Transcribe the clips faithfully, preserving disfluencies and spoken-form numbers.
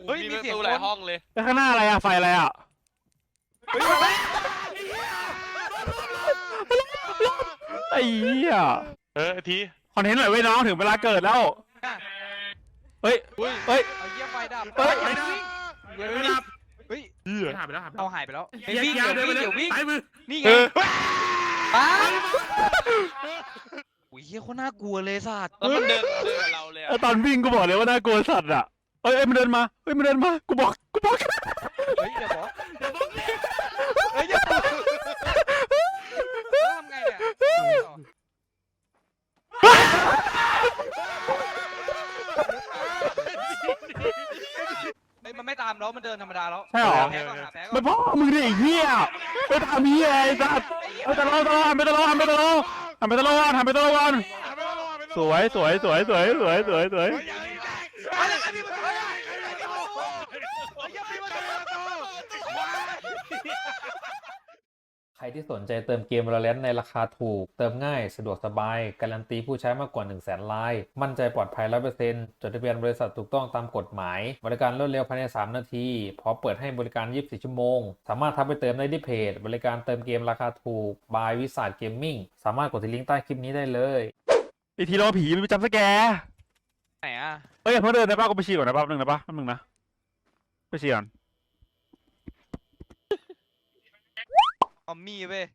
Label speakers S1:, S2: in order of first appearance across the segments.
S1: เฮ้ยมีเสียงหลายห้องเลย
S2: แล้วข้างหน้าอะไรอะไฟอะไรอะไอ้เหี้ย
S3: เออที
S2: คอนเทนต์หน่อยเว้ยน้องถึงเวลาเกิดแล้วเฮ้ยเฮ้ย
S1: เอาเยี่ยไฟดับ
S2: เฮ้ย
S1: ไฟดับเฮ้ย
S3: หายไปแล้วหายไปแล้ว
S1: เอาหายไปแล้ว
S3: เดี๋ยววิ่งเดี๋ยววิ่งไปมือ
S1: นี่ไงป้าโอ้ยเฮียโคตรน่ากลัวเลยสัตว์แล้วมันเดินเดินกับเราเลย
S2: ตอนวิ่งกูบอกเลยว่าน่ากลัวสัตว์อะเฮ้ยมันเดินมาเฮ้ยมันเดินมากูบอกกูบอก
S1: เฮ้ยอย่าบอกอย่าบอกเฮ้ยอย่าบอกทำไงเนี่ยเฮ้ยมันไม่ตามแล้วมันเดินธรรมดาแล้ว
S2: ใช่หรอไม่พ่อมึงดิไอ้เหี้ยไปทำเหี้ยไอ้สัตว์ไปตะโลตะโลทำไปตะโลทำไปตะโลทำไปตะโลทำไปตะโลกันสวยสวยสวยสวยสวยสวยสวย
S4: ใครที่สนใจเติมเกม Valorant ในราคาถูกเติมง่ายสะดวกสบายการันตีผู้ใช้มากกว่า หนึ่งแสน รายมั่นใจปลอดภัย ร้อยเปอร์เซ็นต์ จดทะเบียนบริษัทถูกต้องตามกฎหมายบริการรวดเร็วภายในสามนาทีพร้อมเปิดให้บริการยี่สิบสี่ชั่วโมงสามารถทักไปเติมได้ที่เพจบริการเติมเกมราคาถูก by วิสาทเกมมิ่งสามารถกดที่ลิงก์ใต้คลิปนี้ได้เลย
S2: ไอทีรอผีมันไปจำสแกร์
S1: ไหนอ่ะ
S2: เฮ้ยเพิ่งเดินได้ป่ะกูไปฉี่ก่อนนะแป๊บนึงนะป่ะแป๊บนึงนะไปฉี่ก่อน
S1: ออมมี่เว้ย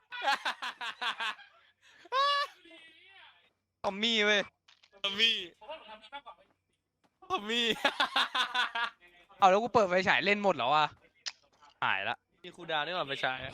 S1: ออมมี่เว้ยออมมี่ออมมี่เอาแล้วกูเปิดไฟฉายเล่นหมดแล้วอ่ะหายละมีคูดาวนี่หว่าไฟฉาย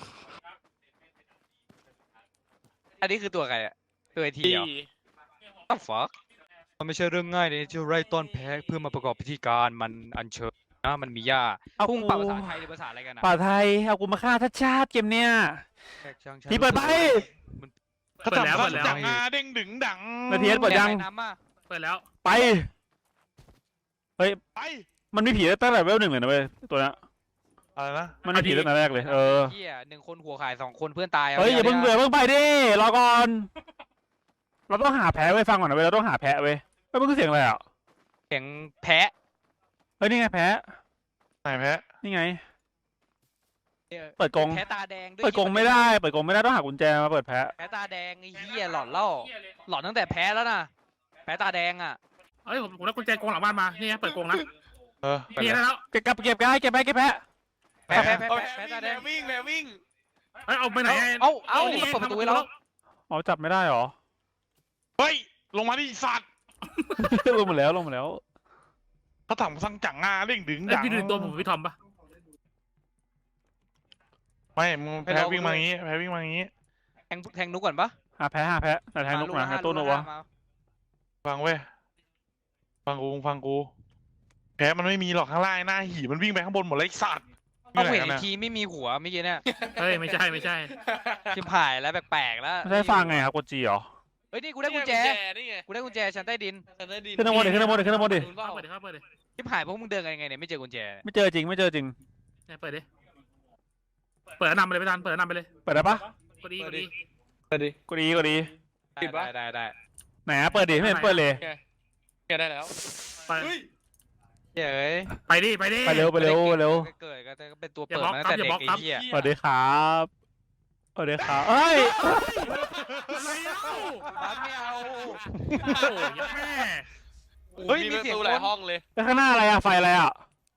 S1: อันนี้คือตัวใครอะตัวไอทีเหรออ้าวฟักมันไม่ใช่เรื่องง่ายเลยที่ไร่ต้นแพ้เพื่อมาประกอบพิธีการมันอัญเชิญนะมันมีหญ้าพุ่งป่าภาษาไทยหรือภาษาอะไรกันอะ
S2: ป่าไทยเอากูมาฆ่าทัชชาติเกมเนี้ยที่เปิดไป
S3: เขาจับเขาจับงาเด้งดึงดัง
S2: นาทีเปิดยัง
S3: เปิดแล้ว
S2: ไปเฮ้ยไปมันมีผีตั้งแต่เวลหนึ่งเลยนะเว้ยตัวนี้
S3: อะไรนะ
S2: มันมีผีตั้งแต่แรกเลยเออ
S1: เฮียหนึ่งคนหัวขายสองคนเพื่อนตาย
S2: เฮ้ยอย่าเพิ่งเบื่อเพิ่งไปดิรอก่อนเราต้องหาแพ้ไว้ฟังก่อนนะเว้ยเราต้องหาแพ้ไว้ไม่เป็นเสียงอะไรอ่ะ
S1: เสียงแพะ
S2: เฮ้ยนี่ไงแพ้
S3: ไหนแพ้
S2: นี่ไงเปิดกรง
S1: แพ้ตาแดง
S2: เปิดกรงไม่ได้เปิดกรงไม่ได้ต้องหากุญแจมาเปิดแพ้
S1: แพ้ตาแดงไอ้เหี้ยหลอนเล่าหลอนตั้งแต่แพ้แล้วนะแพ้ตาแดงอ่ะ
S3: เฮ้ยผมผมได้กุญแจกรงหลังบ้านมานี่เปิดกรงนะเออเก็บแล้ว
S2: เก็บเก็บได้เก็บไปเก็บแพ้
S1: แพ้แพ้แพ้แพ้ตาแดง
S3: วิ่งแพ้วิ่งเฮ้ยเอาไปไหน
S1: เอาเอานี่เปิดประตูไว้แล้ว
S2: อ๋อจับไม่ได้หรอ
S3: เฮ้ยลงมาดิสัตว์
S2: ลงมาแล้วลงมาแล้ว
S3: เขาถังสั่งจังงาเร่งดึงดัง
S5: พี่ดูตัวผมพี่ทอมปะ
S3: ไม่มึงแพ้วิ่งมาอย่างงี้แพ้วิ่งมาอย่างงี้
S1: แทงแทงนุกก่อนปะ
S2: หาแพ้หาแพ้แต่แทงนุกนะหาตัวนุกวะ
S3: ฟังเว้ยฟังกูฟังกูแพ้มันไม่มีหรอกข้างล่างหน้าหีมันวิ่งไปข้างบนหมดเลยสัตว์
S1: เอาเห็นอีกทีไม่มีหัวเมื่อกี้เนี่ย
S5: เฮ้ยไม่ใช่ไม่ใช่
S1: ชิบหายแล้วแปลกๆแล้ว
S2: ไม่ใช่ฟังไงครับกดจีเหรอ
S1: เฮ้ยนี่กูได้กุญแจกูได้กุญแจชั้นใต้ดิน
S2: ขึ้นข้างบนดิขึ้นข้างบนดิขึ้นข้างบนดิ
S5: เปิดดิครับเปิดดิ
S1: ชิบหายพวกมึงเดินกันยังไงเนี่ยไม่เจอกุญแจ
S2: ไม่เจอจริงไม่เจอจริง
S5: เปิดดิเปิดนำไปเลยไม่ทันเปิดนำไปเลย
S2: เปิดได้ปะ
S5: กดดีกดดี
S2: กดดีกดดีกดดี
S1: ได้ได้ได้
S2: ไหนเปิดดิไม่เห็นเปิดเลย
S1: แกได้แล้ว
S5: ไป
S1: เฮ้ย
S5: ไปดิไปดิ
S2: ไปเร็วไปเร็วเร็ว
S1: เกิดก็เป็นตัวเปิดตั้งแต่เด็กไอ้เหี้ย
S2: สวัสดีครับสวัสดีครับเฮ้ย
S5: อะไรเล่า
S1: บ้านไม่เอา
S5: โอ้ยแม่
S1: เฮ้ยมีเสียงหลายห้องเลย
S2: แล้วข้างหน้าอะไรอะไฟอะไรอะ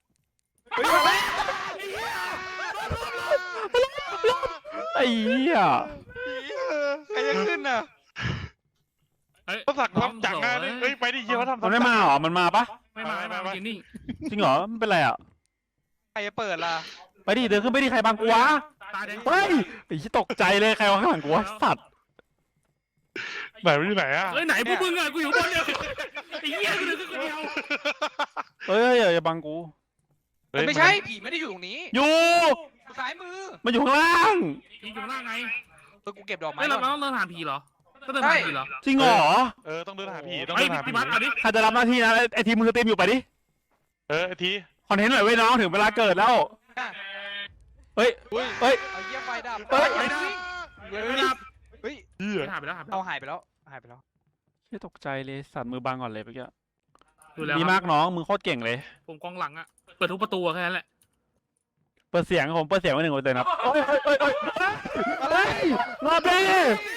S2: ไอ้เหี้ย
S1: ใครจะขึ้นอ่ะ
S3: เขาสั่งทำจังงานเฮ้ยไปดิเยี่ยมเขาทำ
S2: มันไม่มาหรอมันมาปะ
S5: ไม่มาไม่มาจริงนี่
S2: จริงเหรอมันเป็นไรอ่ะ
S1: ใครจะเปิดล่ะ
S2: ไปดิเดินขึ้นไปดิใครบังกูวะเฮ้ยไอ้ที่ตกใจเลยใครวะข้างหลังกูวะสัตว์
S3: ไหนไปที่ไหนอ่ะ
S5: เฮ้ยไหนพวกมึงอ่ะกูอยู่บนเดียวไอ้เหี้ยกูเดินขึ้นคนเดียว
S2: เฮ้ยอย่าบังกู
S1: ไม่ใช่ผีไม่ได้อยู่ตรงนี้
S2: อยู่
S1: ซ้ายมือ
S2: มันอยู่ข้างล่าง
S5: ผีอยู่ข้างล่างไง
S1: เออกูเก็บดอกไม้
S5: เราต้องเดินหาผีเหรอต้องเดินหาผีเหรอ
S2: จริงเหรอ
S3: เออต้องเดินหาผีต้องเดินหาผี
S2: ใครจะรับหน้าที่นะไอทีมมือเต็มอยู่ไปดิ
S3: เออที
S2: คอนเทนต์หน่อยเว้ยน้องถึงเวลาเกิดแล้วเฮ้ยเฮ้ย
S1: เอาเยี่ยไฟดับ
S2: เฮ้ย
S5: ไฟดับ
S1: เฮ้ย
S5: หายไปแล้วหายไป
S1: เอาหายไปแล้วหายไปแล้ว
S2: แค่ตกใจเลยสั่นมือบังก่อนเลยเมื่อกี้
S5: ดูแล้ว
S2: ดี
S5: ครับ
S2: มากน้องมึงโคตรเก่งเลย
S5: ผมกองหลังอะเปิดทุกประตูอะแค่นั้นแหละ
S2: เปิดเสียงผมเปิดเสียงไว้หนึ่งเปอร์เซ็นต์ครับโอ้ยโอ้ยโอ้ยโอ้ยเฮ้ยรอบนี้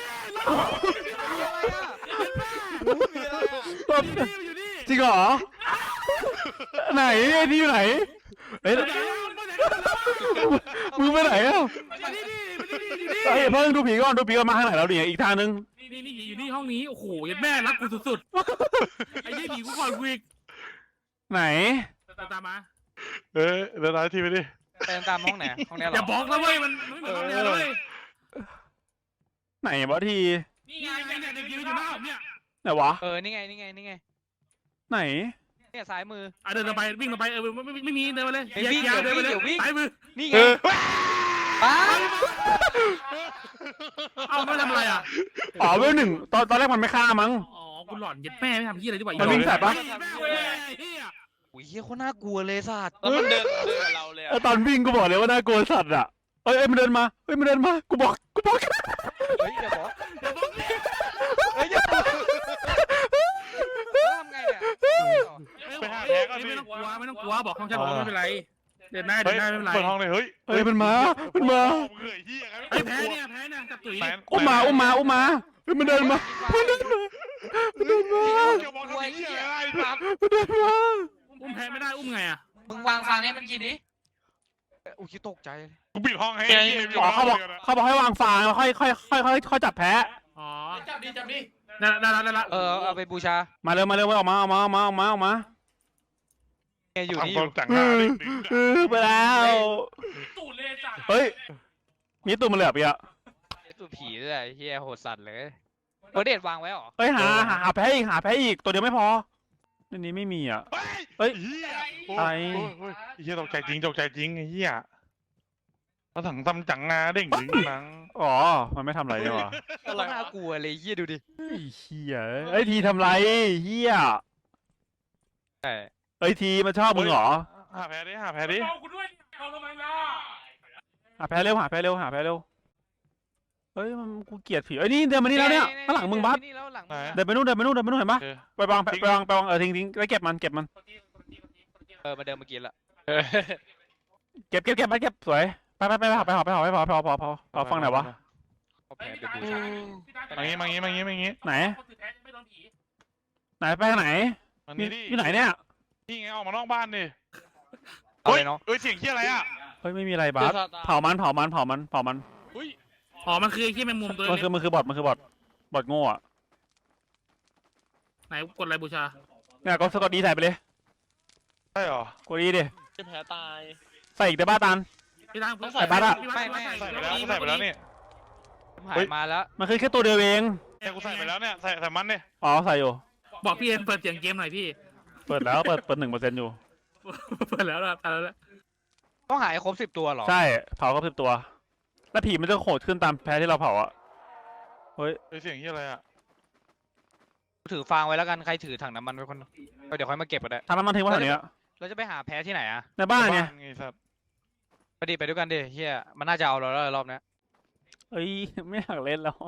S2: รอบจริงเหรอไหนไอ้นี่อยู่ไหนเฮ้ยมึงไปไหนอ่ะเฮ้ยเพิ่งดูผีก่อนดูผีก่อนมาทางไหนแล้วเนี่ยอีกทางนึง
S5: นี่นี่นี่อยู่นี่ห้องนี้โอ้โหยัดแม่รักกูสุดๆไอ้ยี่ผีกูก่อนกูอีก
S2: ไหน
S5: ตามมา
S3: เออเดี๋ยวตายทีไปดิ
S1: ไปตามห้องไหนห้องเนี้ยเหร
S5: อย่า
S1: อ
S5: บอกนะเว้ยมันไม่เหมือนห้องเดียวเลย
S2: ไหนวะที
S5: นี่ไงเนี่ยเด็กยืนอยู่หน้าผมเนี่ย
S2: ไหนวะ
S1: เออนี่ไงนี่ไงนี่ไง
S2: ไหน
S1: เนี่ยซ้ายมือ
S5: อ่ะเดินไปวิ่งไปเออไม่ไม่มีเดินไปเลย
S1: เฮ้ยวิ่ง
S5: ยาวเดินไปเลย
S1: เดี๋ยววิ่ง
S5: ซ้ายมือ
S1: นี่ไง
S3: เออ
S1: ป้า
S5: เอาไม่ทำอะไรอ่ะ
S2: อ๋อเวลหนึ่งตอนตอนแรกมันไม่ฆ่ามั้ง
S5: อ๋อกูหลอนยัดแม่ไม่ทำยี่อะไรดีกว่า
S2: มันวิ่งใส่ปะ
S1: อุ้ยเฮียโคตรน่ากลัวเลยสัตว์
S6: แล้วมันเดินเดินกับเราเลย
S2: เออ
S6: อะ
S2: ตอนวิ่งกูบอกเลยว่าน่ากลัวสัตว์อ่ะเอ้ยเอ้ยมันเดินมาเอ้ยมันเดินมากูบอกกูบอก
S1: เฮ้ยอย่าบอกเฮ้ยอย่าบอกแล้วทำไงเนี่ย
S3: ไปหาแพ้ก่อนดิ
S5: ไม่ต้องกลัวไม่ต้องกลัวบอกห้องฉันบอกว่าไม่เป็นไรเดินหน้าเดิ
S3: เฮ้
S5: น
S3: ย
S5: หน้าไม่เป็นไร
S3: เปิดห้องเลยเฮ้ย
S2: เอ้ยมันมามันมา
S3: เฮ้ยเฮียกัน
S5: ไอ้แพ้เนี่ยแพ้เนี่ยจับตุ๋ย
S2: อุ้มมาอุ้มมาอุ้มมาเฮ้ยมันเดินมามันเดินมามันเดินมา
S3: เกี่ยวบอกทำเฮียอะไรสัตว์
S2: มันเดินมา
S5: อุ้มแพ้ไม่ได้อุ้มไงอ่ะ
S1: มึงวางฟังให้มันกินดิอุ้ยตกใจ
S3: กูปิดห้องให้เฮีย
S2: อ๋อเขาบอกเขาบอกให้วางฟางแล้วค่อยค่อยค่อยค่อยค่อยจับแพ้
S5: อ๋อ
S6: จับดิจับดิ
S5: ได้ได้ได้ได้
S1: เออเอาไปบูชา
S2: มาเร็วมาเร็วออกมาออกมาออกมาออกมาออกมา
S1: เนี่ยอยู่นี่
S3: ทำ
S1: อ
S3: ควา
S1: ยู่
S3: มจังหน้าดิ
S2: เออไปแล้ว
S5: ตูดเลยจ้ะ
S2: เฮ้ยมีตัวมันเหลือไปอ่ะ
S1: ตัวผีด้วยไอ้เฮียโหดสัตว์เลยโอเดตวางไว้หรอ
S2: เฮ้ยหาหาหาแพ้อีกหาแพ้อีกตัวเดียวไม่พอในนี้ไม่มีอ่ะ เฮ้
S3: เฮ้
S2: ย
S3: ยเฮีย
S2: อะไร
S3: เฮียตกใจจริงตกใจจริงไอ้เฮียเขาถังทำจังงาเด้งดึงหนัง
S2: อ๋อมันไม่ทำอะไรเนี่ยวะ
S1: โคตรน่ากลัวเลยเฮียดูดิ
S2: ไอ้เฮียไอ้ยทีทำไรเฮีย
S1: ใช่
S2: ไอ้ยทีมันชอบมึงเหรอ
S3: หาแพ้ดิหาแพ้ดิ
S5: เอากูด้วยเอาทำไมล่ะ
S2: หาแพ้เร็วหาแพ้เร็วหาแพ้เร็วเฮ้ยมันกูเกลียดผีเอ้ยนี่เดินมานี่แล้วเนี่ยข้างหลังมึงบัส
S1: นี่แล้วหลังมึง
S2: เดินไปนู่นเดินไปนู่นเดินไปนู่นเห็นปะ
S3: เออ
S2: ไปวางไปวางไปวางเออทิ้งทิ้งแล้วเก็บมันเก็บมัน
S1: เออมาเดินเมื่อกี้ละ
S2: เก็บเก็บเก็บไปเก็บสวยไปไปไปไปหอไปหอไปหอไปหอไปหอพอพอพอฟังไหนอยวะ
S1: เอาแผลไปบูชา
S3: มางี้มางี้มางี้มางี้
S2: ไหนไหนไปทางไหน
S3: มัน
S2: มี
S3: นี่ดิ
S2: อยู่ไหนเนี่ย
S3: นี่ไงออกมานอกบ้านดิ
S1: เอาเลยเนาะ
S3: เฮ้ยเสียงเฮียอะไรอ่ะ
S2: เฮ้ยไม่มีอะไรบัสเผามันเผามันเผามันเผามัน
S5: อ๋อมันคือไอ้ที่แมงมุมตัว
S2: มัน
S5: เล็
S2: คือก มันคือบอทมันคือบอทบอทโง่อะ
S5: ไหนกดอะไรบูชา
S2: เนี่ยก็สกอตดีใส่ไปเลย
S3: ใช่หรอก
S2: ดดีดิ
S6: จะแผลตาย
S2: ใส่อีกได้บ้าตัน
S5: พี่ตั้ง
S6: ต้องใส่
S2: บัตรอะ
S5: พี่วัดพี่วัด
S3: ใส่ไปแล้วกูใส่ไปแล้วนี่
S1: หายมาแล้ว
S2: มันคือแค่ตัวเดียวเอง
S3: เนี่ยกูใส่ไปแล้วเนี่ยใส่ใส่มันเนี่ย
S2: อ๋อใส่อยู่
S5: บอกพี่เอ็นเปิดเสียงเกมหน่อยพี่
S2: เปิดแล้วเปิดเปิดหนึ่งเปอร์เซ็นต์อยู่
S5: เปิดแล้วนะตายแล้ว
S1: ต้องหายครบสิบตัวเหรอ
S2: ใช่เผาก็สิบตัว แล้วผีมันจะโหดขึ้นตามแพ้ที่เราเผาอะเฮ้ย
S3: เฮ้ยเสียงเฮียอะไรอ่ะ
S1: ถือฟางไว้แล้วกันใครถือถังน้ำมันไว้คนเดี๋ยวค่อยมาเก็บก็ได้
S2: ทำน้ำมันทิ้งไว้แถวนี้อะ
S1: เราจะไปหาแพ้ที่ไหนอะ
S2: ในบ้านเนี่ย
S3: ไงสัตว์
S1: ไปดิไปด้วยกันดิเฮียมันน่าจะเอาเราแล้วรอบเนี้ย
S2: เอ้ยไม่อยากเล่นแล้ว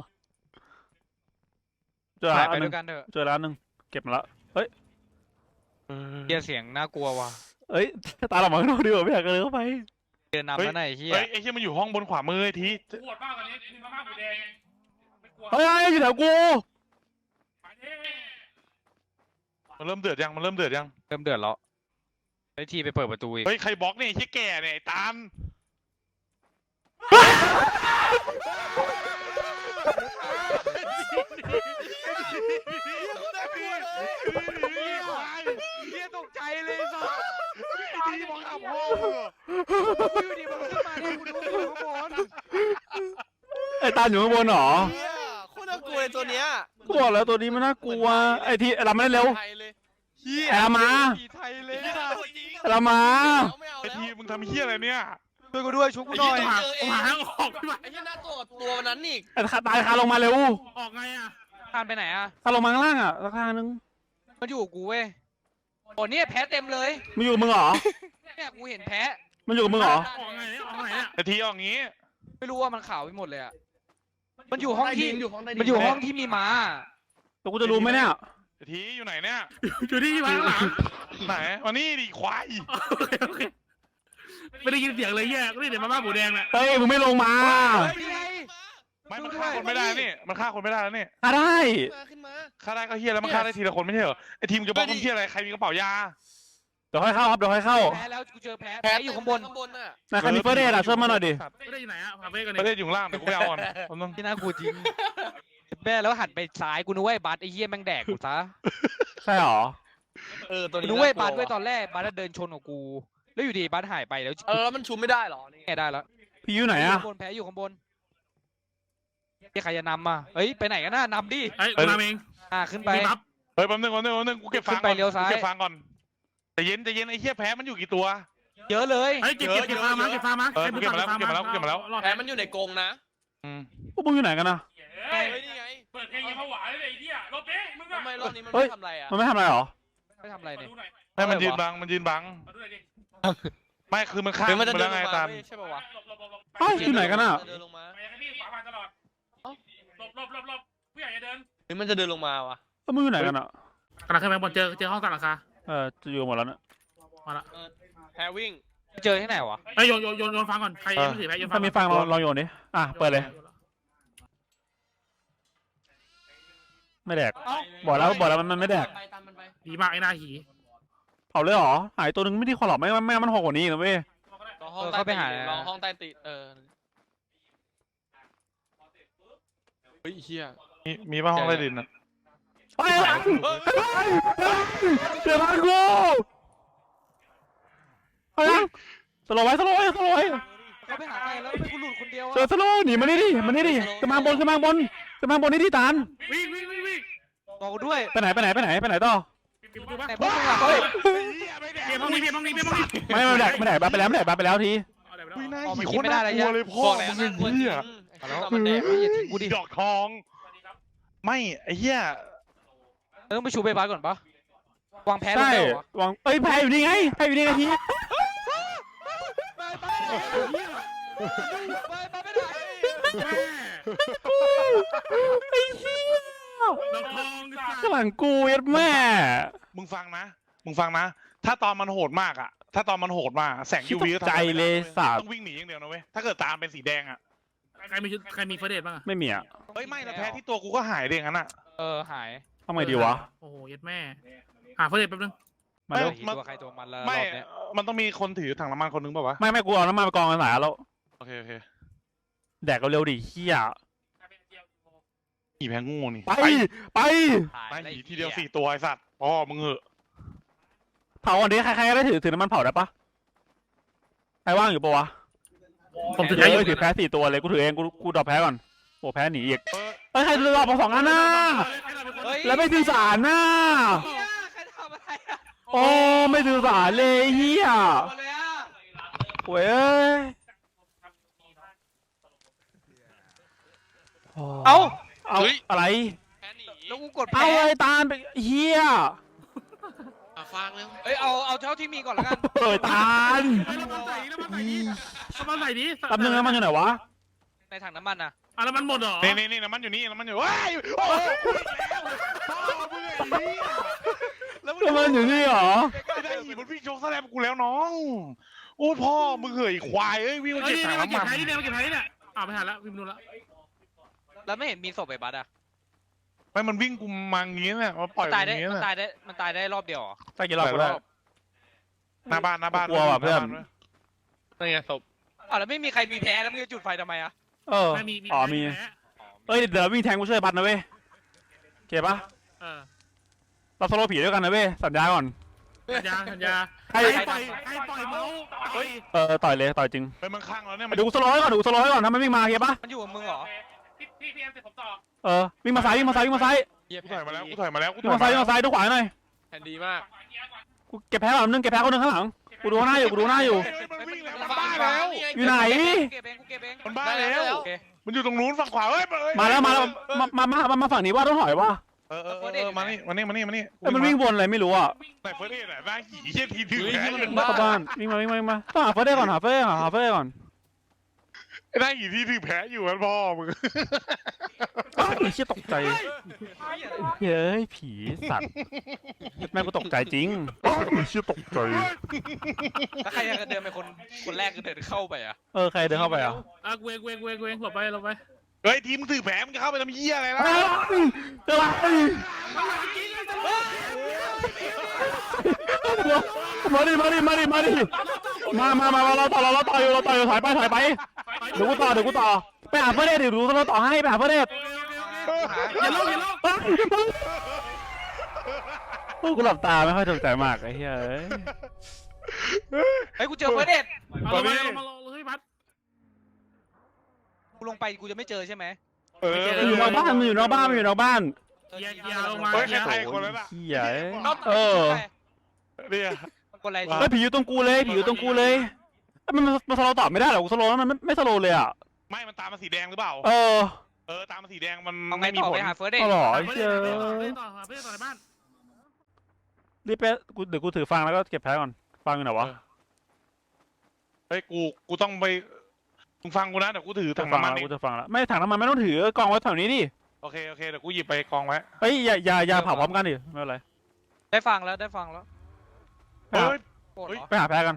S2: เจอ
S1: ไป
S2: ร้าน
S1: ไป
S2: ห
S1: ด้
S2: นึ่
S1: ว
S2: ง
S1: ยกันเถอะ
S2: เจอร้านหนึ่งเก็บมาละ
S3: เออ
S1: เฮียเสียงน่ากลัวว่ะ
S2: เอ้ยตาเราหมองนอกดีกว่าไม่อยากเดินเข้าไป
S1: เดินนำแล้วไหนเฮีย
S3: เฮ้ยไอ้เฮียมันอยู่ห้องบนขวามือไอ้ที
S5: ปวดมากกว่านี้มีมาม่าหมูแดงไม่กลัว
S2: เฮ้ยเฮ้ยอยู่แถวกู
S5: ไปดิ
S3: มันเริ่มเดือดยังมันเริ่มเดือดยัง
S1: เริ่มเดือดแล้วไอ้ทีไปเปิดประตูอีก
S3: เฮ้ยใครบล็อกเนี่ยไอ้เฮียแก่เนี่ยไอ้ตาลเฮียตกใจเลยสัสไอ้ทีมองขับพ่อ
S1: อยู่ดีมันขึ้นมาเนี่ยกูดูอยู่ข้างบน
S2: ไอ้ตาอยู่ข้างบนเหรอ
S6: เฮียโคตรน่ากลัวเลยตัวเนี้ย
S2: กูบอกแล้วตัวนี้มันน่ากลัวไอ้ที่เราไม่ได้เร็ว
S6: ไทยเลยเฮีย
S2: แอร์มา
S1: ผีไทยเลย
S6: เฮีย
S1: อะ
S6: ตัวจริง
S2: เรามา
S6: ไม่เอา
S3: ไอ้
S6: แล้ว
S3: ทีมึงทำเฮียอะไรเนี่ย
S1: ช่วยกูด้วยชุบกูหน่อย
S6: ไอ้
S5: หา
S6: เหี้ย
S5: ผมหาทางออกพี่วัด
S6: ไอ้เฮียหน้าตัวตัววันนั้นอีก
S2: ไอ้ตายคาลงมาเร็ว
S5: ออกไงอ่ะ
S1: ทานไปไหนอะ
S2: คาลงมาข้างล่างอ่ะราคานึง
S1: มันอยู่กับกูเว้ยโอ้เนี่ยแพ้เต็มเลย
S2: มันอยู่กับมึงเหรอ
S1: เนี่ยกูเห็นแพ้
S2: มันอยู่กับมึงเหรอ
S5: ออกไงเนี่ยออกไงเนี่ย
S3: ไอ้ทีเอาอย่างงี้
S1: ไม่รู้ว่ามันขาวไปหมดเลยอะมันอยู่ห้องที่
S6: อยู่ห้องใต้ดิน
S1: มันอยู่ห้องที่มีม้า
S2: แต่กูจะรู้ไหมเนี่ย
S3: ไอ้ทีอยู่ไหนเนี่ย
S5: อยู่ที่มาข้างหลัง
S3: ไหนมานี่ดิควาย
S5: โอเคโอเคไม่ได้ยินเสียงเลยแย่ก็ได้เดี๋ยวมาม่าหมูแดงน่ะ
S2: เฮ้ยมึงไม่ลงมา
S3: ไม่มันฆ่าคนไม่ได้นี่มันฆ่าคนไม่ได้แล้วนี่
S2: อ่ะได้
S6: มาขึ้นมา
S3: ฆ่าได้ก็เฮียแล้วมันฆ่าได้ทีละคนไม่ใช่เหรอไอ้ทีมจะบล็อกมันเฮียอะไรใครมีกระเป๋ายา
S2: เดี๋ยวค่อยเข้าครับเดี๋ยวค่อยเข้า
S1: แพ้แล้วกูเจอแพ้
S6: แพ้
S1: แพ้อยู่ข้างบน
S6: ข้างบนน่ะ
S2: นายใครมีเฟอร์เดทอ่ะช่วยมาหน่อยดิ
S5: ไม่ได้อยู่ไหนอะพาเฟ่กัน
S3: ประเท
S5: เนี่ย
S3: ศอยู่ข้างล่างเดี๋ยวกูไปเอาก่อนผมต้อง
S1: ที่น่ากูจริงแม่แล้วหันไปซ้ายกูนึกว่าไอ้บัสไอ้เหี้ยแม่งแดกกูซะ
S2: ใช่หรอ
S6: เออตัว
S1: กู
S6: นี้
S1: นึกว่าไอ้บัส
S6: น่
S1: ด้วยตอนแรกบัสเดินชนกับกู แล้วอยู่ดีบัสหายไปแล้ว
S6: เออแล้วมันชุบไม่ได้เหรอนี่
S1: แกได้แล้ว
S2: พี่อยู่ไหน
S1: อยู่
S2: อ่ะ
S1: ข้างบนแพ้อยู่ข้างบนที่ใครจะนำมาเฮ้ยไปไหนกันน่ะนำดิ
S5: ไอ้ยกูทำเอง
S1: อ่าขึ้นไป
S5: มีบัฟ
S3: เฮ้ยแป๊บนึงแป๊บนึงแป๊บนึงกูเก็บฟัง
S1: ขึ้นไปเลี้ยวซ้าย
S3: กูเก็บฟังก่อนแต่เย็นแต่เย็นไอ้เฮียแพ้มันอยู่กี่ตัว
S1: เยอะเลย
S5: ไอ้ยเก็บเก็บเก็บฟาร์มาเก็บฟาร์มา
S3: เออกูเก็บมาแล้วกูเก็บมาแล้วกูเก็บมาแล้ว
S5: รอด
S6: แพ้มันอยู่ในกรงนะ
S3: อืม
S2: พวกมึงอยู่ไหนกันนะ
S6: เฮ้ยนี่ไง
S5: เปิดเพลงยังผวาเลยไอ้เหี้ยรถเป๊ะมึง
S6: ทำไมรอบนี้มัน
S2: เฮ้ย
S6: ไม่ทำอะไรอ่ะ
S2: มันไม่ทำอะไรหรอ
S1: ไม่ทำอะไรเนี่ย
S3: ให้มันยืนบังมันยืนบัง
S5: มาดูหน่อยดิ
S3: ไม่คือมันฆ่า
S6: หรือมันจะ
S3: ไป
S6: เดิ
S3: แล้
S6: น
S3: ว
S6: ล
S3: ไง
S6: งมา
S3: ตาม
S6: เว้ยใช่ป่าวะ
S5: หลบหลบหลบหลบ
S2: เฮ้ยอยู่ไหนกันอ่ะ
S6: เดินลงมา
S5: ไปยังไงพี่ขวาผ่านตลอดหลบหลบหลบหลบผู้ใหญ่จะเดิน
S6: หรือมันจะเดินลงมาวะ
S2: แล้วมึงอยู่ไหนกันอ่ะ
S5: กำลังขึ้นไปบนเจอเจอห้องตัดราคา
S2: เออจะอยู่หมดแล้วเนี่ย
S5: มาละ
S6: แพ้วิ่ง
S1: เจอที่ไหนวะ
S5: ไอ้ยโยนโยนโยนโยนฟังก่อนใครยังไม่ถือแพ้โยนฟั
S2: ถ้าง มีฟังเราเราโยนดิอ่ะเปิดเลยไม่แดกบอกแล้วบอกแล้วมันมันไม่แดก
S6: ไปตามมันไป
S5: ดีมากไอ้หน้าหี
S2: เผาเลยเหรอหายตัวนึงไม่ได้คอหรอกไม่งั้นไม่งั้นมันหกกว่านี้อีกนะเว้ย
S6: รอห้องใต้ตีนรอห้องใต้ตีนเออเฮ้ยเฮีย
S3: มีมีบ้างห้องใต้ดินอ่ะ
S2: ไปหลังเดี๋ยวมากูไปหลังสโลว์ไว้สโลว์ไว้สโลว์ไว้
S1: เขาไปหาใครแล้วไม่กูหลุดคนเดียว
S2: เจอสโลว์หนีมานี่ดิมานี่ดิจะมาบนจะมาบนจะมาบนนี่ดิตาน
S5: วิ่งวิ่งวิ่งวิ่ง
S1: บอกกูด้วย
S2: ไปไหนไปไหนไปไหนไปไหนต่อ
S5: ปิดประตูปะ
S1: แต่พวกมึงอะเฮ้ย
S5: เปลี่ยนห้องนี้เปลี่ยนห้องนี้เปลี่ยนห้องนี้
S2: ไม่ไม่แดกไม่แดกไปแล้วไม่แดกไปแล้วที
S5: เอาเดี๋ยวไป
S3: อุ้ยห
S5: แล้ว
S3: น้า
S1: อ๋อมัน
S3: หี
S1: กิ
S3: โคน ต
S1: ไม่
S3: ร
S1: ได้
S3: น่า
S1: เลย
S3: กลัวเลยพ่อ
S6: บอกแล้ว
S3: มึง
S6: น่ากลัว
S3: เฮี
S6: จริ
S3: ย
S6: งไอ้ตอนมันแดก
S1: เฮ้ยอย่าทิ้งกูดิ
S3: ดอกทอง ไม่ไอ้เหี้ย
S1: เราต้องไปชูเบย์บาสก่อนปะวางแพ้ลง
S2: ใช่
S1: ได้เหรอ
S2: วางเอ้ยแพ้อยู่นี่ไงแพ้อยู่นี่ไงที
S1: ไปไปไม่ได้
S5: แม่
S2: ไอ้เหี้ย
S5: เราทองสัตว์
S2: ข้างหลังกูเอ็ดแม่
S3: มึงฟังนะ มึงฟังนะ ถ้าตอนมันโหดมากอ่ะ ถ้าตอนมันโหดมากแสง
S2: คิด
S3: ยูวี
S2: ตกใจเลยสัตว์
S3: ต้องวิ่งหนีอย่างเดียวนะเว้ย ถ้าเกิดตามเป็นสีแดงอ่ะ
S5: ใครมีชุดใครมีเฟอร์เดตบ้างอะ
S2: ไม่มีอ่ะ
S3: เฮ้ยไม่นะแพ้ที่ตัวกูก็หายเด้งั้นอ่ะ
S1: เออหาย
S2: ทำไงดีวะ
S5: โอ้โหยัดแม่หาเฟอร์เดตแป๊บนึง
S2: มาเร็ว
S3: มัน
S1: ตัวใครตัวมันแล้วร
S3: ไม่
S1: อบเนี้ย
S3: มันต้องมีคนถือถังน้ำมันคนนึงเปล่าวะ
S2: ไม่ไม่กูเอาน้ำมันไปกองกันสายแล้ว
S3: โอเคโอเค
S2: แดกเร็วๆดิเฮีย
S3: หีแพ้งูนี่
S2: ไปไป
S3: ไปหีทีเดียวสี่ตัวไอ้สัตว์พ่อมึงเหอะ
S2: เผาอันนี้ใครๆก็ได้ถือถือน้ำมันเผาได้ปะใครว่างอยู่ปะวะ
S5: ผมถือ
S2: เดี๋
S5: แพ้
S2: ยว
S5: อยู่
S2: ถือแพ้สี่ตัวเลยกูถือเองกูกูดรอปแพ้ก่อนโอ้แพ้หนีอีก
S3: เออ
S2: เอ้ยใครรอมาสองอันน่ะ
S1: เฮ้ย
S2: แล้วไม่สื่อสารน่ะ
S1: เหี้ยใครทำอะไรอะ
S2: โอ้ไม่สื่อสารเลยเฮีย
S1: หมดเลยอะ
S2: โว้ยเอ้ย
S1: เอ้า
S2: เอาอะไร
S6: แพ้หนี
S1: แล้วกูกด
S2: เอา
S1: แพ้
S2: ไอ้ตาลไปเฮีย
S6: อ่ะฟังเร็ว
S1: เอ้ยเอาเอาเท่าที่มีก่อนแล้วกัน
S2: เอ้ยตาล
S5: เฮ้ยเรามาใส่ดิเรามาใส่ดิเรามาใส่ดิ
S2: แป๊บนึงนะมันอยู่ไหนวะ
S1: ในถังน้ำมันนะ
S5: อ่ะแล้วมันหมดเหรอ
S3: นี่นี่นี่น้ำมันอยู่นี่น้ำมันอยู่ว้ายโอ้โหพ่อมึงไอ้เหี้ยแล้วมึง
S2: แล้วมันอยู่นี่เหรอ
S3: ไอ้ได้หีมันวิ่งโชกแสลมกูแล้วน้อง โอ้พ่อมึงเหยควายเอ้ยวิ่งมา
S5: เฮ้ย
S3: เก็บ
S5: นี่
S3: ถัง
S5: มา
S3: น้ำ
S5: เก็
S3: มั
S5: บ
S3: น
S5: ไผ่นี่เนี่ยมาเก็บไผ่นี่เนี่ยอ่าไม่ทันแล้ววิ่งนู่นละ
S1: แล้วไม่เห็นมีศพไอ้บัสอะ
S3: ไม่มันวิ่งกูมาอย่างงี้เนี่ยมาปล่อย
S1: มันตาย
S3: อ
S1: ได้
S3: ย่างงี้
S1: มัน
S3: เนี่ย
S1: ตายได้มันตายได้รอบเดียวเหรอ
S2: ใช่กี่รอบก็ได้
S3: หน้าบ้านหน้าบ้าน
S2: กลัวว่ะเพื่อน
S6: นี่ไงศพ
S1: อ้าวแล้วไม่มีใครมีแพ้แล้วมึงจะจุดไฟทำไมอะ
S2: เออ
S5: ไม่มีมี
S2: อ๋อมี
S5: แพ้
S2: เอ้ยเดี๋ยววิ่งแทงกูช่วยบัตรนะเว้ยโอเคปะ
S5: เออ
S2: เราโซโลผีด้วยกันนะเว้ยสัญญาก่อน
S5: สัญญาสัญญา
S2: ใคร
S5: ใครปล่อยใครปล่อยเมาส์เฮ้ย
S2: เออต่อยเลยต่อยจริง
S3: ไปมันข้างแล้วเนี่ย
S2: ไปดูกูสโลว์ให้ก่อนดูกูสโลว์ให้ก่อนถ้ามันวิ่งมาโอเคปะ
S1: มันอยู่กับมึงเหรอ
S5: พี่พี่พี่แอมเสร็จผมต่อ
S2: เออวิ่งมาซ้ายวิ่งมาซ้ายวิ่งมาซ้าย
S1: เหี้ย
S3: กูถอยมาแล้วกูถอยมาแล้วกู
S2: วิ่
S3: ถ
S2: ง
S3: อย
S2: มาซ้ายวิ่งมาซ้ายดูขวาหน่อย
S6: แผ่นดีมาก
S2: กูเก็บแพ้ก่อนนึงเก็บแพ้คนนึงข้างหลังกูดูหน้าอยู่กูดูหน้าอยู่
S3: เฮ้ยมันวิ่งแล้วมันบ้าแล้ว
S2: อยู่ไหน
S1: กูเก็บเองกูเก็บเอง
S3: มันบ้าแล้ว
S1: โอเค
S3: มันอยู่ตรงนู้นฝั่งขวาเอ้ยเอ้ย
S2: มาแล้วมาแล้วมามามามามาฝั่งนี้ว่าต้องถอยว่า
S3: เออเออเออเออมานี่มานี่มานี่มานี่
S2: เอ้ยมันวิ่งวนอะไรไม่รู้อ่ะ
S3: ไหนเฟิร์สเอ็ดอะหน้าหีเหี้ยทีถือแขน
S2: เข้าบ้านวิ่งมาวิ่งมาวิ่งมาต้องหาเฟิร์สได้ก่อนหาเฟิร์สหาเฟิร์สก่อน
S3: ไอ้หน้าหีที่ถือแพ้อยู่มันพ่อมึง
S2: อ้าวไอ้เชี่ยตกใจเฮ้ยผีสัตว์แม่งก็ตกใจจริงอ้าวไอ้เชี่ยตกใจ
S1: แล้วใครจะเดินเป็นคนคนแรกก็เดินเข้าไปอ่ะ
S2: เออใครเดินเข้าไปอ่ะ
S5: อ่ะเวงเวงเวงเวงหลบไปหลบไป
S3: เฮ้ยทีมมึงถือแพ้มึงจะเข้าไปทำเหี้ยอะไรล่ะ
S2: จะไรมาดิมาดิมาดิมาดิมามามาเราต่อเราต่ออยู่เราต่ออยู่ถอยไปถอยไปเดี๋ยวกูต่อเดี๋ยวกูต่อไปหาเพื่อนเดชเดี๋ยวดูเราต่อให้ไปหาเพื่อนเดช
S5: อย่าลงอย่าลง
S2: โอ้กูหลับตาไม่ค่อยสนใจมากไอ้เฮ้ย
S1: เฮ้ยกูเจอเฟิร์สเดท
S5: มาลงมาลงมาลงเฮ้ยพัด
S1: กูลงไปกูจะไม่เจอใช่ไหม
S3: เออ
S2: มันอยู่นอกบ้านมันอยู่นอกบ้านมันอยู่นอกบ้าน
S5: เกียร์เกียร์ลงมา
S3: เฮ้ย
S5: เกี
S3: ใคร
S5: ยร์
S3: ตายคนแล้วน่ะ
S2: เฮีย
S1: เออ
S3: เนี่ย
S1: คนอะไร
S2: เฮ้ยผีอยู่ตรงกูเลยผีอยู่ตรงกูเลยมันมันสโลตอบไม่ได้หรอกูสโลแล้วมันไม่สโลเลยอ่ะ
S3: ไม่มันตามมาสีแดงหรือเปล่า
S2: เออ
S3: เออตามมาสีแดงมัน
S1: เอาไง
S3: ไม่มี
S1: ต่อ
S3: ผ
S1: ไป
S3: ล
S1: หาเฟิร์สเดท
S2: เอาหรอ
S5: ไป
S2: ไอ้
S5: เพื่
S2: เชี่ย
S5: อนต่อไปเพื่อนต่อในบ้าน
S2: รีบไปกูเดี๋ยวกูถือฟังแล้วก็เก็บแพ้ก่อนฟังอยู่ไหนวะ
S3: เฮ้ยกูกูต้องไปมึงฟังกูนะเดี๋ยวกูถือ
S2: จะ
S3: ถัง
S2: ฟัง
S3: น้ำมัน
S2: แล้ว
S3: นี่
S2: กูจะฟังแล้วไม่ถังน้ำมันไม่ต้องถือกองไว้แถวนี้ดิ
S3: โอเคโอเคเดี๋ยวกูหยิบไปกองไว้
S2: เฮ้ยอย่าอย่าอย่าเผาพร้อมกันดิไม่เป็นไร
S1: ได้ฟังแล้วได้ฟังแล้ว
S2: ไปหา
S3: เฮ้ย
S1: โกรธเหรอ
S2: ไปหาแพ้กัน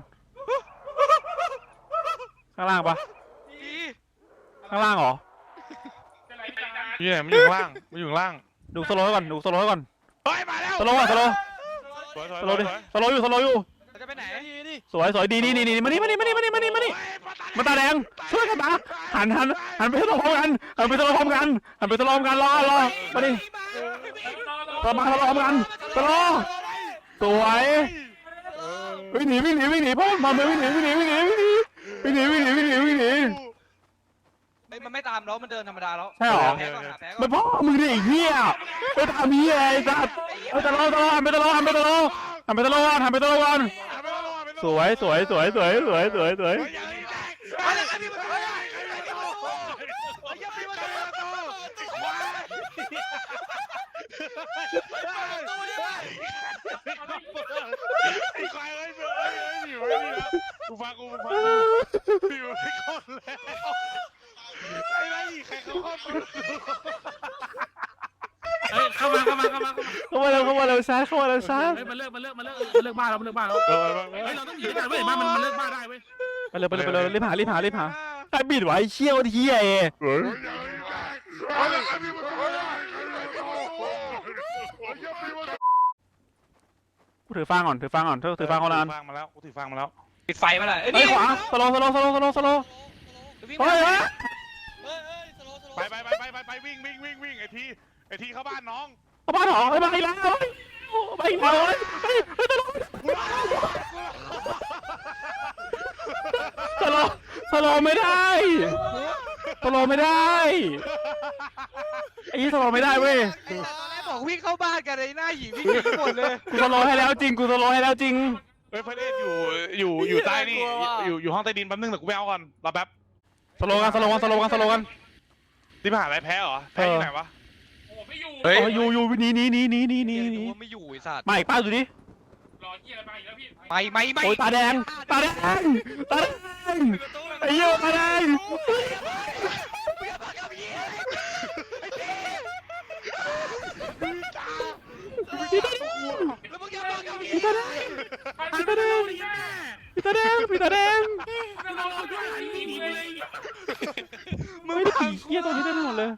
S2: ข้างล่างปะข้างล่างเหรอ
S3: อยู่ไหนมันอยู่ข้างล่างมันอยู่ข้างล่าง
S2: ดูสโลว์ไว้ก่อนดูสโลว์ไว้ก่อน
S3: เฮ้ยมาแล้ว
S2: สโลว์ก่อนสโลว์
S3: สวยสวย
S2: สโลว์ดิ
S3: สวย
S2: สโลว์อยู่สโลว์อยู่
S1: เราจะไปไหน
S2: สวยสวยดีดีดีดีมานี่มานี่มานี่มานี่มานี่มานี่มาตาแดงช่วยกันตาหันหันหันไปสโลว์พร้อมกันหันไปสโลว์พร้อมกันหันไปสโลว์พร้อมกันรอรอมาดิสมาสโลว์พร้อมกันสโลว์สวยวิ่งหนีวิ่งหนีวิ่งหนีพ่อมาเลยวิ่งหนีวิ่งหนีวิ่งหนีวิ่งหนีวิ่งหนีวิ่งหนีวิ่งหนีวิ่งหนี
S1: เฮ้ยมันไม่ตามแล้วมันเดินธรรมดาแล้ว
S2: ใช่หรอ
S1: หาแพ้ก่อนหาแพ้ก่
S2: มั
S1: อน
S2: นพ่อมึงดิไอ้เหี้ยไปทำเหี้ยไอ้สัตว์ไปตะโลตะโลหันไปตะโลหันไปตะโลหันไปตะโลหันไปตะโลก่อนสวยสวยสวยสวยสวยสวยสวย
S3: ไอ้ควายเอ้ยเอ้ยเอ้ยอยู่ไว้นี่นะกูฟังกูฟังกูอยู่ไว้ก่อนแล้วไอ้ไรใครเขาเข้ามา
S5: เฮ้ยเข้ามาเข้ามาเข้ามาเข้ามา
S2: เข้ามาเร็วเข้ามาเร็วช้าเข้ามาเร็วช้า
S5: เฮ้ยมันเลิกมันเลิกมันเลิกมันเลิกบ้านแล้วมันเลิกบ้านแล้ว
S3: เออมา
S5: เฮ้ยเราต้องหนีกันเว้ยบ้านมันมันเลิกบ้านได้เว้ย
S2: ไปเลยไปเลยไปเลยรีบหารีบหารีบหาไอ้บิดไว้เชี่ยวเหี้ยเอกูถือฟางก่อนถือฟางก่อนเธอถือฟางคนละอัน
S3: ฟังมาแล้วกูถือฟังมาแล้ว
S1: ปิดไฟมาเลย
S2: เฮ้ยขวาสโลสโลสโลสโลสโลเฮ้ยเฮ้ย
S3: ไปไปไปไปไปไปวิ่งวิ่งวิ่งวิ่งไอ้ทีไอ้ทีเข้าบ้านน้อง
S2: เข้าบ้านหรอไปไปแล้วไปแล้วเฮ้ยเฮ้ยตะโลสโลสโลไม่ได้สโลไม่ได้ไอ้ยี่สโลไม่ได้เว้ย
S1: ตอนแรกบอกวิ่งเข้าบ้านกันเลยหน้าหญิงวิ่งหนีหมดเลย
S2: กูสโลให้แล้วจริงกูสโลให้แล้วจริง
S3: เฮ้ยพระเดชอยู่อยู่อยู่ใต้นี่อยู่อยู่ห้องใต้ดินแป๊บนึงแต่กูไปเอาก่อนรอแป๊บ
S2: สโลกันสโลกันสโลกันสโลกัน
S3: ที่มหาลัยแพ้เหรอแพ้ที่ไหนวะ
S5: โอ้ไม่อยู่
S3: เฮ้ย
S2: โอ้ยอยู่อยู่หนีหนีหนีหนีหนีหนี
S1: นี่
S2: หนี
S1: ว่าไม่อยู่ไอ้สัตว์
S2: มาอีกป้าดูดิ
S5: รอเกียร์อะไรไปอีกแล้วพี่
S1: ไม่ไม่ไม่
S2: โอ้ยตาแดงตาแดงตาแดงไอ้เหี้ยตาแดง
S1: แล้วมึงจะมากับพี่
S2: ตาแดง
S5: พี่ตาแดง
S2: พี่ตาแดงพี่ตาแดง
S5: เราเราด้วยหนีเลย
S2: มึงไม่ได้ผีเหี้ยตัวนี้ได้หมดเลย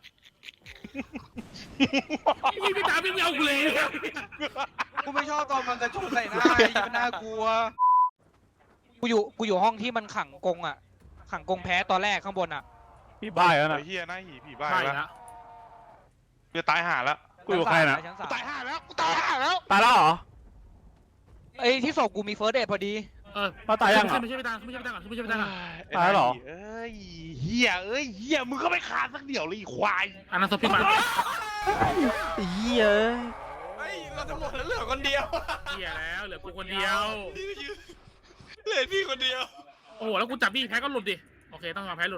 S5: พี่พี่ตาพี่ไม่เอากูเลย
S1: กูไม่ชอบตอนมันกระโจนใส่หน้าไอ้ยี่มันน่ากลัวกูอยู่กูอยู่ห้องที่มันขังกงอ่ะขังกงแพ้ตอนแรกข้างบนอ่ะ
S2: พี่บ้าแล้วนะ
S3: ไอ้เฮียหน้าหีผีบ้า
S5: ใช่
S3: แล้ว
S5: ละ
S3: จะตายห่าแล้ว
S2: กูอยู่กับใครนะ
S1: ชั้น
S3: กู
S1: สาม
S3: ตายห่าแล้วกูตายห่าแล้ว
S2: ตายแล้วเหรอ
S1: ไอ้ที่ศพกูมีเฟิร์สเดทพอดี
S5: เออ
S2: มาตายยัง
S5: ไม่ใช่ไม่ใช่พี่ตาไม่ใช่พี่ตาไม่ใช่พี่ตา
S2: ตายเหรอ
S3: เอ้ยเฮียเอ้ยเฮียมึงก็ไม่ขาดสักเดี่ยวเลยควาย
S5: อันนั้นศพพี่มา
S2: เหี้ย
S6: เฮ้ยเราจะหมดแล้วเหลือคนเดียว
S5: เกียร์แล้วเหลือกูคนเดียว
S6: เหลือพี่คนเดียว
S5: โอ้โหแล้วกูจับพี่แพ้ก็หลุดดิโอเคต้องยอมแพ้หลุด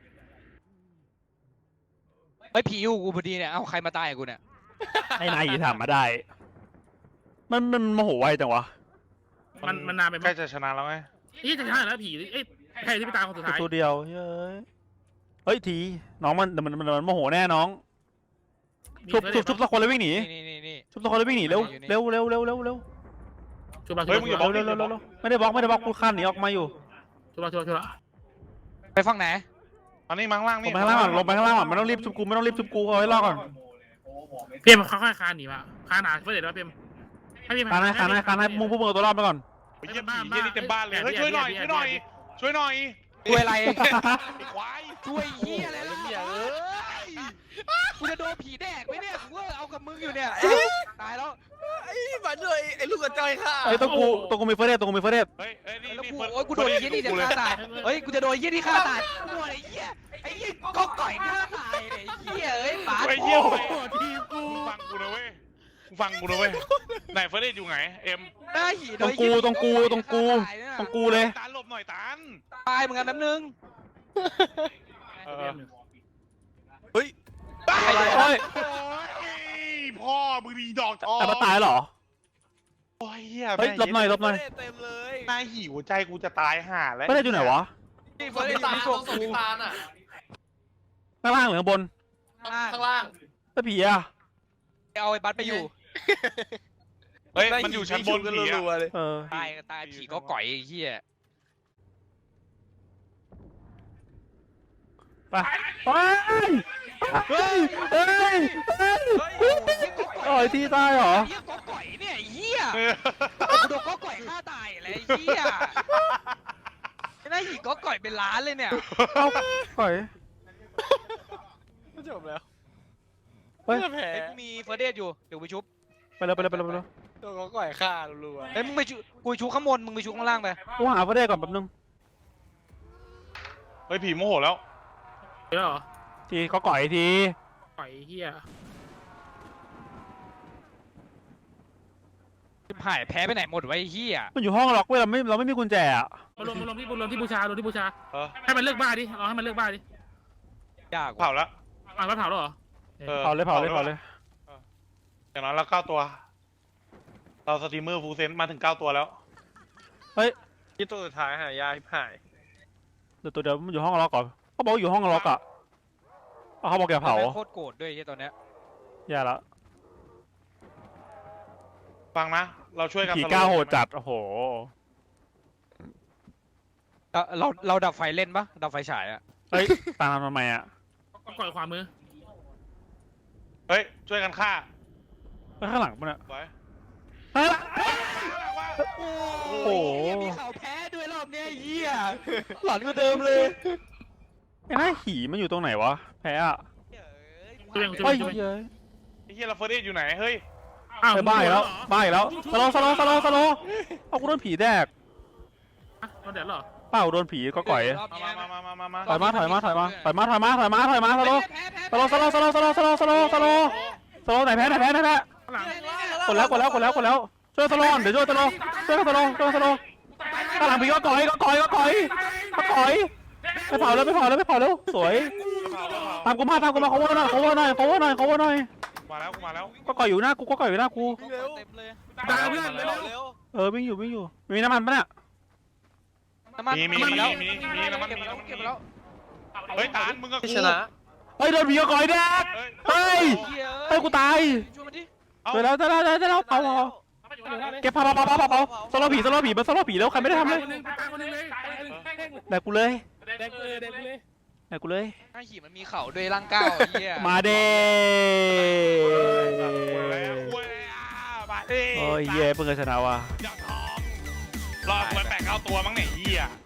S1: ไอ้ยผีอยู่กูพอดีเนี่ยเอาใครมาตายกับกูเนี่ย
S2: ไอ้นายอีถามมาได้ มันมันโมโหไวจังวะ
S5: มันมันนานไป
S3: ใก
S5: มั้
S3: ล้
S5: ย
S3: จะชนะแล้วไง
S5: นี่จะชนะแล้วผีเอ้ยใครที่พี่ตาคนสุดท้าย
S2: ตัวเดียวเฮ้ยเฮ้ยทีน้องมันมันมันมันโมโหแน่น้องชุบชุบชุบสักคนเลยวิ่งหนี
S1: นี่นี่นี่
S2: ชุบสักคนเลยวิ่งหนีเร็วเร็วเร็วเร็วเร็วเร็ว
S5: ชุบเราชุบ
S3: เฮ้ยมึงอย่าบล็อก
S2: เร็วเร็วเร็วเร็วไม่ได้บล็อกไม่ได้บล็อกกูคานหนีออกมาอยู่
S5: ชุบเราชุบเราชุบเรา
S1: ไปฝั่งไหน
S3: อันนี้มังล่าง
S2: ล
S3: นี่
S2: งไปข้างล่างก่อนลงไปข้างล่างก่อนไม่ต้องรีบชุบกูไม่ต้องรีบชุบกูเอาไว้รอก่อน
S5: เพียมค่อยๆคานหนีมาคานหนาเพื่อเดี๋ยวเพียมให้เพียม
S2: คานให้คานให้คานให้มึงพวกมึงเอาตัวรอดไปก่อน
S3: ไอ้เหี้ยผีเหี้ยนี่เต็มบ้านเลยเฮ้ยช่วยหน่อยช่วยหน่อยช่วยหน่อย
S1: ช่วยอะไร
S3: ไอ้ควาย
S1: ช่วยเฮียอะไรล่ะเอ้ยกูจะโดนผีแดกไหมเนี่ยกูก็เอากับมึงอยู่เนี่ยตายแล้ว
S6: ไอ้มาด้วยไอ้ลูกกระจอยค่ะ
S2: ไอ้ต้องกูต้องกูมีเฟรเดตต้องกูมีเฟรเดต
S3: เฮ้ยเฮ้ยนี่
S1: แล้ว
S3: นี่
S1: กู
S3: เปิด
S1: โอ้ยกูโดนไอ้เหี้ยนี่จะฆ่าตายเฮ้ยกูจะโดนไอ้เหี้ยนี่ฆ่าตายกูโดนไอ้เหี้ยไอ้เหี้ยก็ก่อยฆ่าตายเนี่ยไอ้เหี้ยเอ้ยปาด
S3: ไอ้เหี้ย
S5: โอ้โหทีมกู
S3: มึงฟังกูนะเว้ยมึงฟังกูนะเว้ยไหนเฟรเดอยู่ไหนเอ็ม
S1: หน้าหีโด
S2: ต้อง
S1: น
S2: กูต้องกูต้องกูต้องกูเลย
S3: ตานหลบหน่อยตาน
S1: ตายเหมือนกันแป๊บนึง
S3: เออ
S6: เฮ้ย
S2: อะไรเฮ้ย
S3: โอ้ยพ่อมึงดีดอกทอง
S2: แต่มาตายเหรอ
S3: โอ้ยเหี้ย
S2: เฮ้ยหลบหน่อยหลบหน่อย
S6: เต็มเลย
S3: หน้าหิวใจกูจะตายห่าแล้ว
S2: เฟรเดตอยู่ไหนวะ
S1: นี่
S6: ค
S1: เฟิร์
S6: น
S1: ส
S6: ที่ตา
S1: มี
S6: ล
S1: ส่ง
S6: ส่ง
S1: กู
S6: ที่ตาลอ่ะ
S2: ข้างล่างหรือข้างบน
S6: ข้างล่าง
S2: แล้วผีอะ
S1: เอาไอ้บัสไปอยู่
S3: เฮ้ยมันอยู่ชั้นบนผีอะ
S6: รัวๆเลย
S2: เออ
S1: ตายตายผีก็ก่อยไอ้เหี้ย
S2: ไปไปเฮ้ยเฮ้ยเฮ้ยโอ้ยที่ตายเหรอ
S1: ไอ้เหี้ยก็ก่อยเนี่ยไอ้เหี้ยกูโดนก็ก่อยฆ่าตายอะไรไอ้เหี้ยไอ้หน้าหีก็ก่อยเป็นล้านเลยเนี่ย
S2: เอ้าก่อย
S6: จบแล้ว
S2: เฮ้ย
S6: แผล
S1: ไอ้กูมีเฟิร์สเดทอยู่เดี๋ยวไปชุบ
S2: ไปเลยไปเลยไปเลยไปเลย
S6: ตัวก็ก่อยฆ่ารัว
S1: เอ้ยมึงไปชุบกูชุบข้างบนมึงไปชุบข้างล่างไป
S2: กูหาเฟรเดตก่อนแป๊บนึง
S3: เฮ้ยผีโมโหแล้ว
S5: เดี๋ยวเหรอ
S2: ทีเขาก่อยที
S5: ปล่อยเฮีย
S1: หายแพ้ไปไหนหมดไวะไอ้เหี้ย
S2: มันอยู่ห้องล็อกเว้ยเราไม่เราไม่มีกุญแจอะ
S5: มารวมมารวมที่มารวมที่บูชารวมที่บูชา
S3: เออ
S5: ให้มันเลิกบ้าดิลองให้มันเลิกบ้าดิ
S1: ยาก
S3: เผาแล้ว
S5: อ่ะมันเผาแล้วเหรอ
S3: ออ
S2: เผาเลยเผาเลยเผาเลย
S3: อย่างน้อยเราเก้าตัว เราสตรีมเมอร์ฟูลเซนมาถึงเก้าตัวแล้ว
S6: ที่ตัวสุดท้ายหายาหาย
S2: เดี๋ยวตัวเดี๋ยวมันอยู่ห้องล็อกก่อนเขาบอกว่าอยู่ห้องล็อกอะเอาเขาบอกอย่าเผา
S1: แม่งโคตรโกรธด้วยไอ้เหี้ยตอนเนี้ย
S2: อย่าละ
S3: ฟังนะ เราช่วยกัน
S2: ผี
S3: สโลว์
S2: ก้าโหดจัดโอ้โห
S1: เราเราเราดับไฟเล่นปะดับไฟฉายอะ
S2: เฮ้ยตามทำไมอะ
S5: ก็ก่อยขวามือ
S3: เฮ้ย ช่วยกันฆ่า
S2: ไปข้างหลังมันอะ
S3: ไว้
S2: เฮ้ย
S1: โอ้
S2: โห
S1: มีข่าวแพ้ด้วยรอบเนี้ยไอ้เหี้ยหลอนกว่าเดิมเลย
S2: ไอ้หน้าหีมันอยู่ตรงไหนวะแพ้อะ
S5: ช่วยยังช่
S2: เฮ้
S5: วย ยช่วย
S2: เย้ย
S3: ไอ้เฮียเราเฟรเดอยู่ไหน เฮ้ย
S5: อ้าว
S2: ไปบ้าอีกแล้วบ้าอีกแล้วสโลว์สโลว์สโลว์สโลว์เอากูโดนผีแดก
S5: อ่ะเราเดี๋ยวเหรอ
S2: เปล่าโดนผีก็ก่อย
S1: รอบ
S3: มา
S1: เนี้ย
S3: มามามามามา
S2: ถอยมาถอยมาถอยมาถอยมาถอยมาถอยมาถอยมาสโลว์
S1: แพ้แพ้
S2: สโลว์สโลว์สโลว์สโลว์สโลว์สโลว์สโลว์สโลว์ไหนแพ้ไหนแพ้ไหนแพ้
S5: ข้างหลัง
S2: กดแล้วกดแล้วกดแล้วกดแล้วช่วยสโลว์เดี๋ยวช่วยสโลว์ช่วยสโลว์ช่วยสโลว์ข้างหลังผีก็ก่อยก็ก่อยก็ก่อยก็ก่อยไปเผาแล้วไปเผาแล้วไปเผาแล้วสวยตามกูมาตามกูมา cover หน่อย cover หน่อย cover หน่อย cover หน่อย
S3: มาแล้วกูมาแล้ว
S2: ก็ก่อยอยู่หน้ากูก็ก่อยอยู่หน้ากู
S6: เร็ว
S1: เต็มเลย
S5: ดาวเพื่อน
S6: เร็
S5: เร็
S6: ว
S5: ว
S6: เร็ว
S2: เออวิ่งอยู่วิ่งอยู่มีน้ำมันปะเนี่ย
S1: น้ำมัน
S3: มีมี
S1: น้ำน
S3: มี
S1: แล้ว
S3: มีมีน้ำมัน
S1: เก็บ
S3: มี
S1: มาแล้ว
S3: น้ำมัน
S1: เก็บมาแล้ว
S3: เฮ้ยตานมึงกับกู
S6: ชนะ
S2: เฮ้ยโดนผีก็ก่อยแดก เฮ้ย
S1: เหี้ย
S2: เฮ้ยกูตาย
S1: ช่วยมันดิ
S2: เจอแล้วเจอแล้วเจอแล้วเจอแล้วเผาเผาเก็บเผาเผาเผาเผาเผาสโลว์ผีสโลว์ผีมันสโลว์ผีแล้วใครไม่ได้ทำเลย
S5: คนนึงตายคนนึงเลย
S2: แดกกูเลย
S5: แดกเลยแดกเลย
S2: แดกกูเลย
S1: ไอ้หีมันมีเข่าด้วยร่างก้าวไอ้เหี้ย
S2: มาเด้
S3: คุยแล้วคุยแล้วมาดิ
S2: โอ้ยเย่เพิ่งเคยชนะว่ะ
S3: อยากทองรอดกูไปแปดเก้าตัวมั้งเนี่ยเฮีย